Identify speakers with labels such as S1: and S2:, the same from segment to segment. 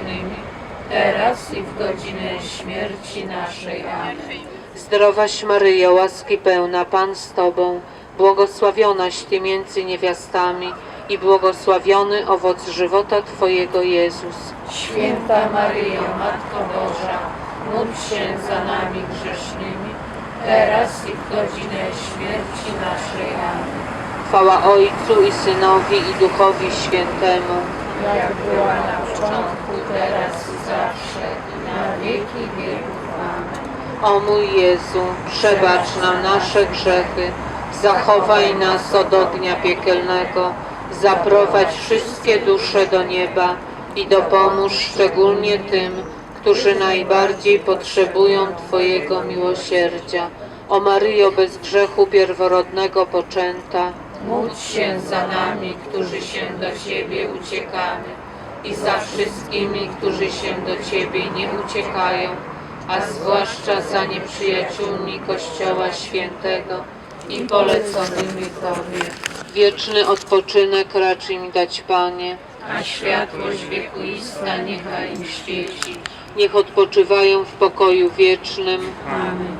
S1: grzesznymi, teraz i w godzinę śmierci naszej. Amen.
S2: Zdrowaś Maryjo, łaski pełna, Pan z Tobą, błogosławionaś Ty między niewiastami i błogosławiony owoc żywota Twojego, Jezus.
S1: Święta Maryjo, Matko Boża, módl się za nami grzesznymi, teraz i w godzinę śmierci naszej. Amen.
S2: Chwała Ojcu i Synowi i Duchowi Świętemu.
S1: Jak była na początku, teraz i zawsze, i na wieki wieków. Amen.
S2: O mój Jezu, przebacz nam nasze grzechy, zachowaj nas od ognia piekielnego, zaprowadź wszystkie dusze do nieba i dopomóż szczególnie tym, którzy najbardziej potrzebują Twojego miłosierdzia. O Maryjo, bez grzechu pierworodnego poczęta,
S1: Módl się za nami, którzy się do Ciebie uciekamy i za wszystkimi, którzy się do Ciebie nie uciekają, a zwłaszcza za nieprzyjaciółmi Kościoła Świętego i poleconymi Tobie.
S2: wieczny odpoczynek racz im dać, Panie.
S1: A światłość wiekuista niechaj im świeci.
S2: Niech odpoczywają w pokoju wiecznym.
S1: Amen.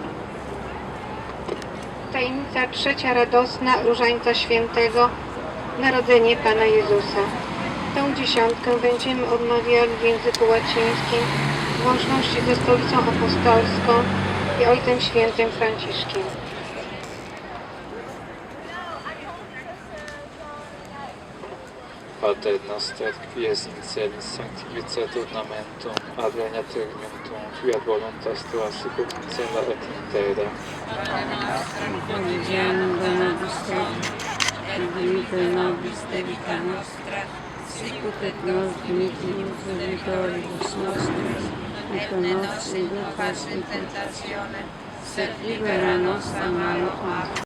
S3: Tajemnica trzecia radosna Różańca Świętego, Narodzenie Pana Jezusa. Tę dziesiątkę będziemy odmawiali w języku łacińskim w łączności ze Stolicą Apostolską i Ojcem Świętym Franciszkiem.
S4: Pater noster, qui es in celis sanctificetur nomentum, adveniat regnum, fiat voluntas tua sicut in cielo et in terra.
S5: Quotidianum da nobis hodie, et dimitte nobis debita nostra, sicut et nos dimittimus debitoribus nostris, et non nos inducas in tentationem, sed libera nos a malo. Amen.